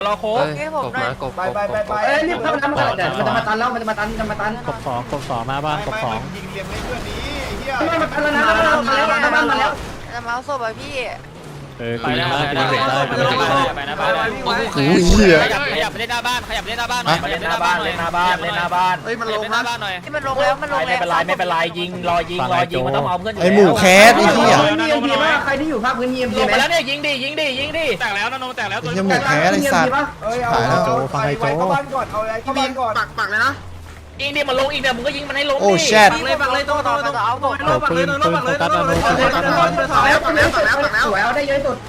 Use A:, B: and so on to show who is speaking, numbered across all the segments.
A: รอโค้ง
B: กบมากบไป
C: รีบเข้าน้ำก่อนเดี๋ยวมันจะมาตันแล้วมันจะมาตัน
D: กบสองหน้าบ้านกบสอง
E: ยิงเลี้ยงให้เพื่อนนี้ไอ้เหี้ย
C: ไม่มาตันแล้วนะมาแล้ว
F: จะมาเอาศพอ่ะพี่
D: กูยิงได้กูเด็กได้กูเด็กได้
A: ไปหน้าบ้าน
B: โอ้ยเหี้ย
A: ขยับไปเล่นหน้าบ้านขยับไปเล่นหน้าบ้านหน่อย
C: เล่นหน้าบ้านเล่นหน้าบ้านเล่นหน้าบ้าน
A: เฮ้ยมันลงหน้าบ้านหน่อย
F: ที่มันลงแล้วมันลง
C: ไม่
F: แล้ว
C: เป็นไรยิงรอยิงมันต้องเอาเพื่อน
B: ไอหมูแคสไอ้เหี้ย
C: ใครที่อยู่ภาคพื้นเยี่ยม
A: ลงไปแล้วเนี่ยยิงดิแตกแล้วนะโนแตกแล้วตัว
B: ไอ้หมูแคสไอ้สัตว์
E: เอ้ยเอาโจฟังไอ้โจเข้าบ้านก่อนเอาอะไรเข้าบ้านก่อน
C: ปักเลยนะ
A: ยิงดิมันลงอีกเนี่ยมึงก็ยิงมันให้ลง
B: โอ้แชท
F: ปักเลยต้องเอาศพ
D: ปืนโฟกัสอนุโฟกัสอนุ
C: สวยเอาได้เยอะสุด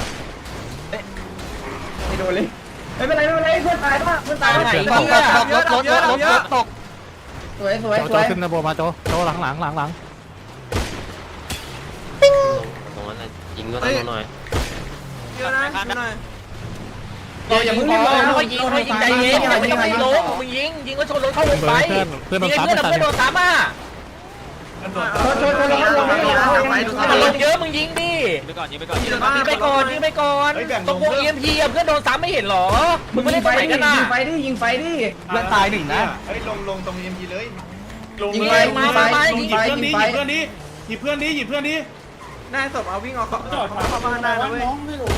C: ไม่โดนเลยไม่เป็นไรเพื่อนตายป่ะเพื่อนตายไหนตกสวย
D: โจขึ้นนะโบมาโจหลัง
B: ตรงนั้นยิงก็ต้องหน่อย
F: เยอะนะหน่อย
C: อย่าเพิ่งรีบค่อยยิงใจเย็นไม่ต้องไปลงมึงยิงก็ชนรถเข้าวงไป
D: เพื่อน
C: ยิง
D: ซ้ำ
C: เพื่อน
D: ไม่ทัน
C: โดนซ้ำอ่ะมันลงเยอะมึงยิงดิ
A: ไปก่อนยิงไปก่อน
C: ยิงไปก่อนตรงวง EMP อ่ะเพื่อนโดนซ้ำไม่เห็นหรอมึงไม่เล่นตรงไหนกันน่ะยิงไฟดิเพื่อนตายหนึ่งนะ
E: เฮ้ยลงตรงEMPเลย
C: ยิงไปยิงไปยิงไปยิงไป
E: หยิบเพื่อนนี้
F: นายศพเอาวิ่งเอาเข้าบ้านได้นะเว้ย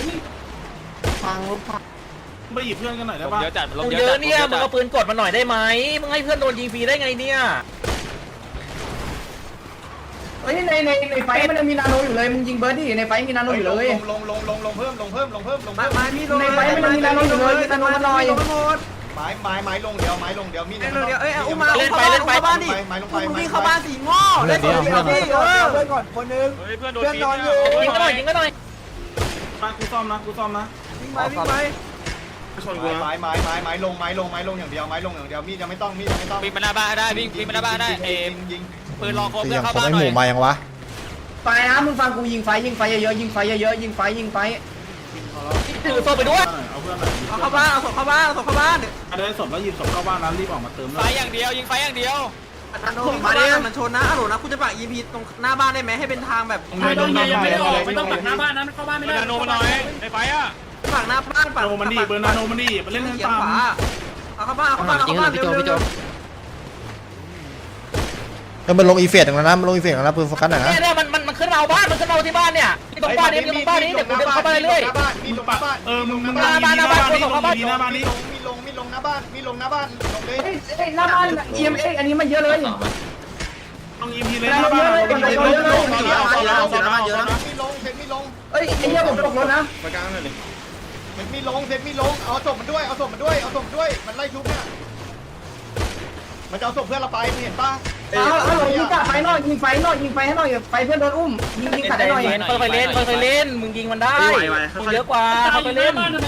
E: ไปหยิบเพื่อนกันหน่อยได้ป่ะ
A: เยอะจัดลง
C: เย
A: เยอะ
C: อะเนี่ยมึงเอาปืนกดมาหน่อยได้ไหมมึงให้เพื่อนโดนยิงฟรีได้ไงเนี่ยเฮ้ยในไฟมันมีนาโนอยู่เลยมึงยิงเบิร์ดดิในไฟมีนาโนอยู่เลย
E: ลงเพิ่ม
F: ไม้มีลง
C: ในไฟมันมีนาโนอยู่เลยมีนาโนมาหน่อย
E: ไม้ลงเดียวมี
F: เดี๋ยวอุ้มมาเข้าบ้านดิวิ่งเข้าบ้านสีง้อเล่นตัวเดียวดิ
E: เพื่อนก่อนคนนึง
A: เพื่อนโดน
E: เพื่อนนอนอยู่
C: ยิงก็หน่อย
E: วิ่งไปไม้ลงอย่างเดียวมีดยังไม่ต้อง
A: วิ่งมาหน้าบ้านได้วิ่งมาหน้าบ้านได้
E: ยิง
A: ปืนรอโค้ง
B: คือ
A: เพื่
B: ยั
A: อง เข้า
B: ผม
A: บ้าน
B: ไอ
A: ห
B: ห
A: น่อ
B: มู
A: ย
B: มายังวะ
C: ไฟนะมึงฟังกูยิงไฟเยอะยิงไฟถือโซ่ไปด้วย
F: เอาเข้าบ้านเอาศพเข้าบ้าน
E: ได้ศพแล้วหยิบศพเข้าบ้านแล้วรีบออกมาเติม
A: ไฟอย่างเดียวยิงไฟอย่างเดียว
F: ผมมาเนี่ยมันชนนะอร่อยนะคุณจะปัก EMP ตรงหน้าบ้านได้ไหมให้เป็นทางแบบ
E: ไม่ต้องปักหน้าบ้าน
A: ไม่ได้โนมาหน่อยในไฟอ่ะ
F: ปักหน้าบ้านปัก
E: เบอร์นาโนมันดีมันเล่นเล่น
F: เขียน
E: ตาม
F: ขวาเอาเข้าบ้านเร็ว
B: แล้วมันลงอีเฟกต์แล้วนะมันลงอีเฟกต์แล้วนะปืนโฟกัสหน่อยนะ
C: เนี่ยมันขึ้นมาบ้านมันขึ้นมาที่บ้านเนี่ยที่ตรงบ้านนี้เดี๋ยวกูเดินเข้าไปเรื่อย
E: มีลงหน้าบ้านมีลงหน้าบ้านมีลงหน้าบ้านลงเลย
C: หน้าบ้าน EMA อันนี้มันเยอะเลย
E: ลง EP เลยหน้าบ้านมีลง
C: เอ้ยไอ้เหี้ยผมตกรถนะ
E: ไปกลางเลยมีลงเอาศพมันด้วยมันไล่ชุบเนี่ยมันจะเอาศพเพื่อนเราไปเห็นป่ะ
C: เอาหลงยิงไฟหน่อยยิงไฟให้หน่อยไฟเพื่อนโดนอุ้มยิงขัดได้หน่อยไปเล่นมึงยิงมันได้มึงเยอะกว่าเข้าไปเล่น
A: มัน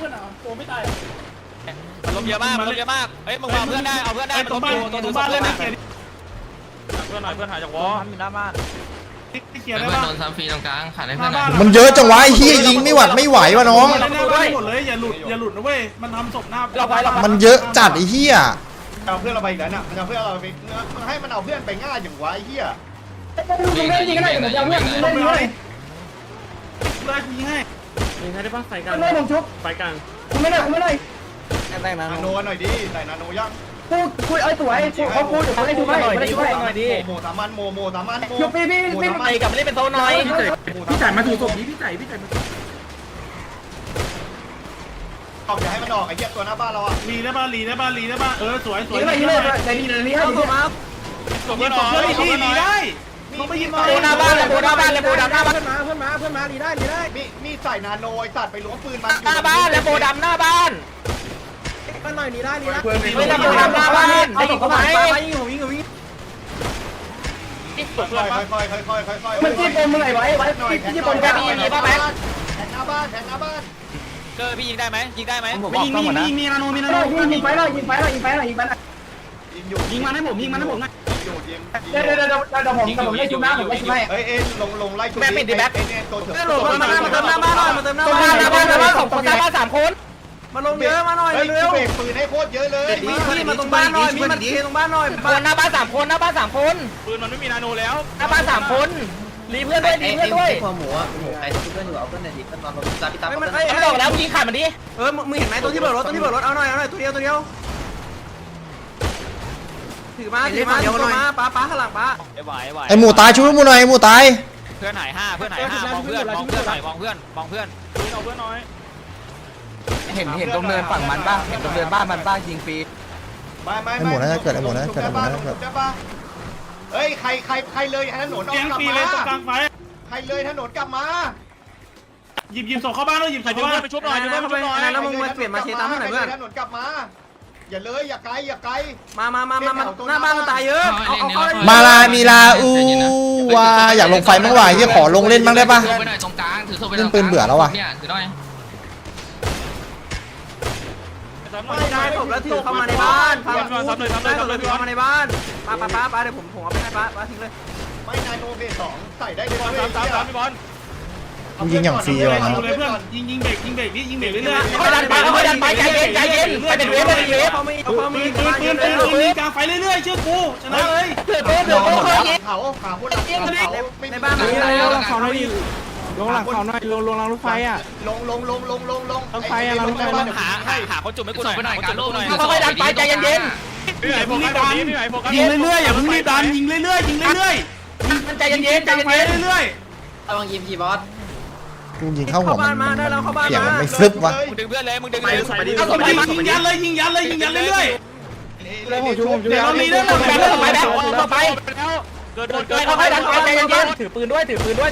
A: ลมเยอะมากเฮ้ยมึงเอาเพื่อนได้เอาเพื่อนได้
E: ตรงบ้านเล่นนะเกียร์
A: เพื่อนหน่อยเพื่อนหายจากวอ
F: อยู่หน้าบ้าน
E: เกียร์ได้ป่ะ
B: โดนซ้ำฟรีตรงกลางขาดให้เพื่อนมันเยอะจังวะไอ้เหี้ยยิงไม่หวัดไม่ไหววะน้อง
E: เล่นหน้าบ้านหมดเลยอย่าหลุดนะเว้ยมันทำศพหน้า
B: มันเยอะจัดไอ้เหี้ย
E: เอาเพื่อนเราไปอีกแล้วน่ะมันเอาเพื่อนเราไปมันให้มันเอาเพื่อนไปง่ายอย่างวะไอ้เหี้ย
C: ยิงยิงได้ผมจะเพื่อนยิงได้เลย
E: ไล่ยิงให้
C: ไม่ผมชุบไฟกลางกูไม่ได้
E: นาโนหน่อยดิใส่นาโนยัง
C: พูดไอ้ตัวไอ้เขาพูดเดี๋ยวเขาได้ดูไหมได้ช่วยหน่อยดิ
E: โมสามันโมสามัน
C: ชุบพี่ไปกลับมาเล่นเป็นโซนหน่อย
E: พี่จ่ายมาถูกศพนี้พี่จ่ายมาออกอย่าให้มันออกไอ้เหี้ยตัวหน้าบ้านเราอ่ะลีได้ป่ะสวย
C: ยิงเลยให้ดี
F: เอาศพมา
A: ส่งเพื่อนหน่อย
E: ลีได้เขาไม่ยิง
C: โบหน้าบ้านเลยโบหน้าบ้านดีได้
E: มีใส่นาโนไอ้สัตว์ไปล้วงปืนมัน
C: หน้าบ้านแล้วโบดำหน้าบ้าน
E: เพื่อน
C: ไม่ได้โบดำหน้าบ้านได้ยิงเขาไหม
F: ยิง
E: ค่อย
C: มันจี้ปมมึงไงไว้จี้ปมแกมีป่ะแม็ก
E: แทงหน้าบ้าน
A: เกอร์พี่ยิงได้ไหม
E: มีนาโน
C: ยิงไฟหน่อยยิงไฟหน่อย
E: ยิงมันให้ผมนะ
C: เดี๋ยวผมได้ชุบหน้าผมได้ชุบให้
E: เฮ้ยลงไล่ชุบตัวเถอะ
F: โหลดมาเติมหน้าบ้านหน่อยมาเติมหน้า
C: ตรง
F: บ้าน
C: หน้าบ้านสองคนหน้าบ้าน3 คน
F: มาลงเยอะมาหน่อย
E: เฮ้ย
F: เร็ว
E: เบรกปืนให้โคตรเยอะเลย
F: พี่มาตรงบ้านหน่อยมีมันเทตรงบ้านหน่อย
C: คนหน้าบ้าน3 คนหน้าบ้าน3 คน
A: ปืนมันไม่มีนาโนแล้ว
C: หน้าบ้าน3 คนรีเพื่อนด้วยรีเพื่อนด้วย
F: หัวหมูอ่ะหมูใครที่เพื่อนอยู่เอาเพื่อนหน่อยดิเพื่อนนอนรถตาพี่ตา
C: ไม่บอกแล้วมึงยิงขาดมันดิ
F: มึงเห็นไหมตัวที่เบิกรถเอาหน่อยตัวเดียวถือมาป้าข้างหลังป้า
A: ไหว
B: ไอหมูตายช่วยหมูหน่อยไอหมูตาย
A: เพื่อนหาย5เพื่อนหาย5มองเพื่อนหน่อยมองเพื่อนเอาเพื่อนหน่อย
C: เห็นตรงเนินฝั่งมันบ้างเห็นตรงเนินบ้านมันบ้างยิงฟรี
E: ไม่
B: ไอหมูน่าจะเกิดไอหมูน่าจะเกิดไอหมูน่าจะเกิด
E: เฮ้ยใครเลยถนนออกกลับมาใครเลยถนนกลับมา
G: หยิบส่งเข้าบ้านด้วยหยิบส่งเข้าบ้าน
A: ไปชุบหน่อยชุบหน่อย
F: แล้วมึงมาเปลี่ยนมาเชตามให้หน่อยเพื่อน
E: ถนนกลับมาอย่าเลยอย่าไกล
F: มาหน้าบ้านมันตายเยอะเอา
B: มาลามีลาอูว่าอยากลงไฟบ้างว่ะที่ขอลงเล่นบ้างได้ปะ
H: ไปหน่อยตรงกลางถือโซ่ไป
B: เล่นปืนเบื่อแล้วว่ะ
H: เนี่ยถือหน่อย
F: ไม่ได้ผมแล้วถือเข้ามาในบ้านพาเข้ามาในบ้านป้าเดี๋ยวผมเอาไปให้ป้าทิ้งเลย
E: ไม่นายโนเบส2ใส่ได้เลย
A: พี่บอล
B: กูยิงอย่างฟรีว่ะนะ
G: ดูเลยเพื่อนยิงเบรกนี่ยิงเบรกเรื่อย
C: ค่อยดันไปใจเย็นไปเป็นเวฟ
F: เขาไม่
G: ปืนกลางไฟเรื่อยๆเชื่อกูชนะเลย
C: เดือดค่อยยิง
E: เขาขาพูดหลังเขาไม่
F: ในบ้านมัน
G: ลงหลังเขาหน่อยลงหลังเขาหน่อยลงรางรถไฟอ่ะ
E: ลง
A: หาคนจุ่มให้กูหน่อย
H: ไปหน่อยการโล่หน่อย
C: ค่อยดันไปใจเย็น
G: พี่ไหนโฟกัสยิงเรื่อยๆอย่าเพิ่งรีบดันยิงเรื่อย
C: มันใจเย็นใจ
G: ไฟ
C: เย็น
G: เรื่อย
F: ระวังยิมพี่บอส
B: กูยิงเข้าหัว
F: บ้า
B: มัน
F: มาได้แล้วเข้าบ้าน
B: เกี่ยว
F: มา
B: มันไม่ฟลึบวะ
A: มึงดึงเพื่อนเลยมึงดึง
G: ๆยิงยันเลยยิงยันเรื่อยๆ
C: เดี๋ยวเรามีเรื่องไปแล้วไป
A: เกิด
C: ค่อยดันไปใจเย็นถือปืนด้วยค่อย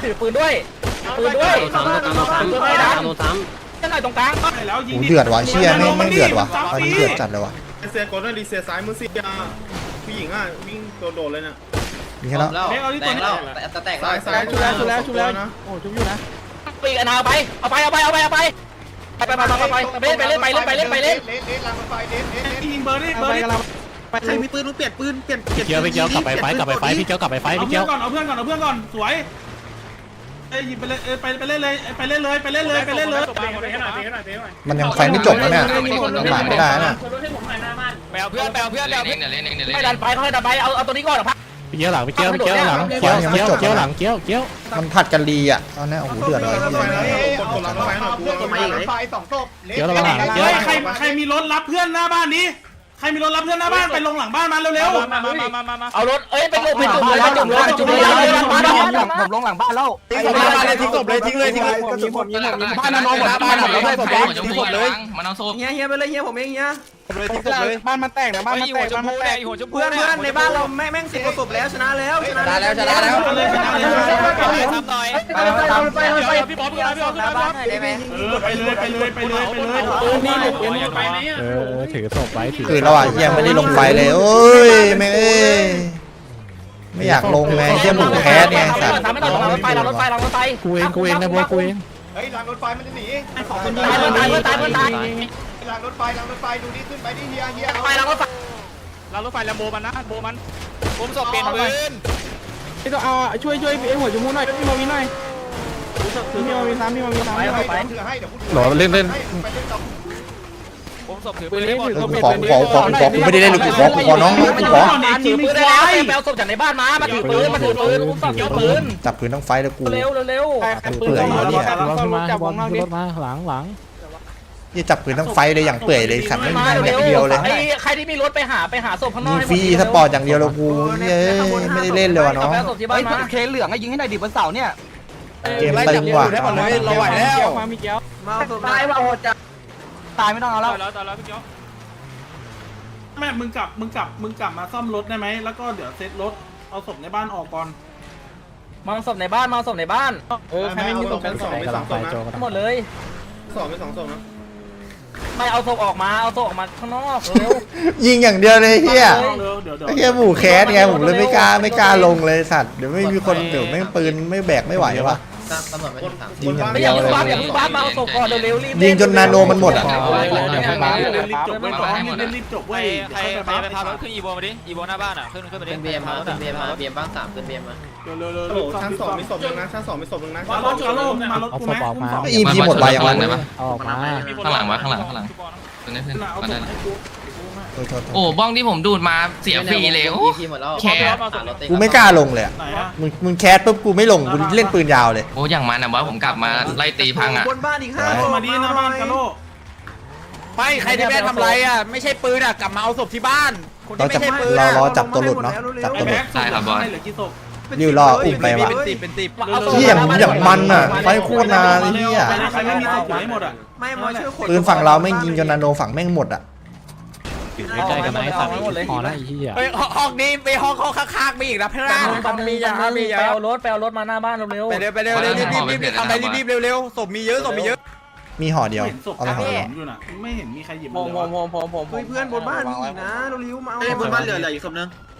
C: ดันจะหน่อยตรงกลาง
G: แล้วยิง
B: กูเดือดว่ะเชี่ยไม่เดือดว่ะตอนนี้เดือดจัดเลยว่ะ
I: เสียกดหน่อยดิเสียซ้ายมือเสียผู้หญิงอ่ะวิ่งโดดเลยเนี่ย
B: มีแค่แล้ว
F: แตกแล้วแตก
I: ซ้าย
G: ชุบแล้วนะโอ้ชุบอยู่นะ
C: ปีกเอาไปเล่น
E: ลางไฟเล่น
G: ยิงเบอร์ดิ
F: ใครมีปืนเปลี่ยนปืน
D: พี่เกียวกลับไปไฟพี่เกียวกลับไปไฟ
G: เอา
D: พี่
G: เพื่
D: เกี
G: อ
D: ยว
G: นก่อนเอาเพื่อนก่อนสวยหยิบไปเลยไปเล่นเลย
B: มันยังไฟไม่จบนะเนี่ยผ่านไม่ได้นะ
A: ไปเอาเพื่อน
C: ไม่ดันไปค่อยดันไปเอาตัวนี้ก่อนพัก
D: พี่เกียวหลังพี่เกียวหลังเกียวหลังเกียว
B: มันผัดกันรีอ่ะตอนนี้โอ้โหเดือดเลย
I: กดหลังไฟหน่อย
E: เพื่อนกฎหมายไฟ2ศพ
G: ใครมีรถรับเพื่อนหน้าบ้านนี้ใครมีรถรับเพื่อนหน้าบ้านไปลงหลังบ้านมาเร็ว
A: มา
C: เอารถไปจุ่มผมลงหลังบ้านแล้ว
I: ทิ้งศพเลยทิ้งเลยบ้านนอนหมดบ้านหมดแล้วศพเลย
H: มันเอาโซ่
F: เฮียไปเลยเฮียผมเองเฮีย
I: ทิ้งศพเลย
G: บ้านมันแตกนะบ้านมันแตก
A: หัวชมพู
F: เพื่อนในบ้านเราแม่ง10กว่าศพแล้วชนะแล้ว
A: ทำหน่อยพี่บอล
D: ถือศพไว้ถือ
B: คือเราอ่ะยังไม่ได้ลงไฟเลยโอ้ยไม่อยากลงไงเที่ยหมูแคสไงสัตว์
C: ไม่ต้องรถไฟ
D: กูเองนะบัวกูเอง
E: เฮ้ยรางรถไฟมันจะหนี
C: ตาย
E: รางรถไฟดูนี่ขึ้นไปดิเฮีย
C: ไปแล้วก็
A: เรารถไฟแลมโบมันนะโบมันผมสอบเปลี่ยนปืน
G: พี่ต้องเอาช่วยไอ้หัวจมูกหน่อยพี่มาวินหน่อยพี่มาวินซ้ำ
E: ถือให้เดี๋ยว
B: หรอเล่น
A: ผมสอบถือ
G: ปื
A: ปื
G: น
A: น
G: เล่น
A: หมด
G: ถือ
B: กูไม่ได้เล่นกูขอน้องกูขอ
C: ถือปืนได้แล้วแปลศพจากในบ้านมาถือปืนอุ้มศพเกี่ยวปืน
B: จับปืนทั้งไฟแล้วกู
C: เร็ว
B: เปื่อยเนี่ย
D: รถขึ้นมาบอลรถมาหลัง
B: ยี่จับปืนทั้งไฟเลยอย่างเปื่อยเลยขัดไม่มีอย่างเดียวเลย
C: ใครที่มีรถไปหาศพข้างน
B: ยิ
C: อก
B: งฟรีสปอร์ตอย่างเดียวเลยกูไม่ได้เล่นเลยว่ะน้อง
C: แปลศพที่บ้านมาเคเหลืองให้ยิงให้หน่อยดิบนเสาเนี่ย
B: เกมตึงว่ะ
G: เราไหวแล้วมามีเกี้ยว
F: มาศพ
C: ตายว่าโหดจัดตายไม่ต้องเอาแล้ว
A: ตายแล้วพี่เจ้า
G: แม่มึงกลับมาซ่อมรถได้ไหมแล้วก็เดี๋ยวเซ็ตรถเอาศพในบ้านออกก่อน
C: มาศพในบ้าน
I: ใครไม่มีศพชั้น2ไม่2ศพนะ
C: ทั้งหมดเลย
I: 2ไม่2ศพนะ
C: ไม่เอาศพออกมาข้างนอกเร็ว
B: ยิงอย่างเดียวเลยเฮีย
G: เดี๋ยว
B: ไอ้เฮียหมูแคสไงผมเลยไม่กล้าลงเลยสัตว์เดี๋ยวไม่มีคนเดี๋ยวไม่ปืนไม่แบกไม่ไหววะ
F: ตำรวจไม่ถึง3
B: ยิงอย่าง
C: ไม่
B: เดี
C: อ
B: ยว
C: ย่า
B: เลย
C: เพิ่งบ้ามาเอาศพก่อนเร็วรีบ
B: ยิงจนนาโนมันหมดอ่ะ
G: รีบจบไว้ก่อนรีบจบ
A: ไป
G: ไว้
A: ไปพารถขึ้นอีโวมาดิอีโวหน้าบ้านอ่ะขึ้นไปดิ
F: เป็นเบียร์มาบ้าง3เป็นเบียร์มา
G: เร็ว
I: โอ้ชั้น2มีศพนึงนะชั้น2มีศพนึงนะ
G: มารถกูไหม
B: อีพีหมดไปยังไง
H: ข้างหลังวะข้างหลัง
G: เอาศพให้กู
B: โอ้
H: บ้องที่ผมดูดมาเสียฟรีเลยแคส
B: กูไม่กล้าลงเลยอะ
G: ไหนอะ
B: มึงแคสปุ๊บกูไม่ลงกูเล่นปืนยาวเลย
H: โอ้อย่างมันนะบอสผมกลับมาไล่ตีพังอ่ะ
F: บนบ้านอีก
G: มาดีหน้าบ้านกะโล
A: ไม่ใครที่ไม่ทำไรอ่ะไม่ใช่ปืนอ่ะกลับมาเอาศพที่บ้านคน
B: เรา
A: ที่
B: จั
A: ไม่
B: บ
A: ใช่ปืน
B: รอจับตัวหลุดเนาะจับ
G: ไอ้
B: ตัวหลุ
G: แบ็
B: ด
G: คศพเหลือกี่ศพ
B: นิวรออุ้มไปว่ะ
A: เป็นติบ
B: ที่อย่างมันอ่ะไฟโคตรนานไอ้เหี้ย
G: ใครไม่มีศพอยู่ให้หมดอ่ะ
F: ไม่มาช่วยคน
B: ปืนฝั่งเราแม่งยิงจนนาโนฝั่งแม่งหมดอ่ะ
D: อยู่ใกล้ๆกันไหมสัตว์พอแล้วไอ้เหี้ย
A: ไปห้องนี้ไปห้องข้างๆไปอีกนะเพื่อนมียามียา
C: ไปเอารถมาหน้าบ้านเร็ว
A: ไปเร็วไปเร็วรีบทำไปรีบเร็วศพมีเยอะศพมีเยอะ
B: มีห่อเดียว
G: เห็นศพ
B: เอาไปห่อเดียว
G: อยู่น่ะไม่เห็นมีใครหยิบ
C: ผม
F: เพื่อนบนบ้านมีอีกนะเราลิ้วมาเอา
I: บนบ้านเหลืออีกศพนึง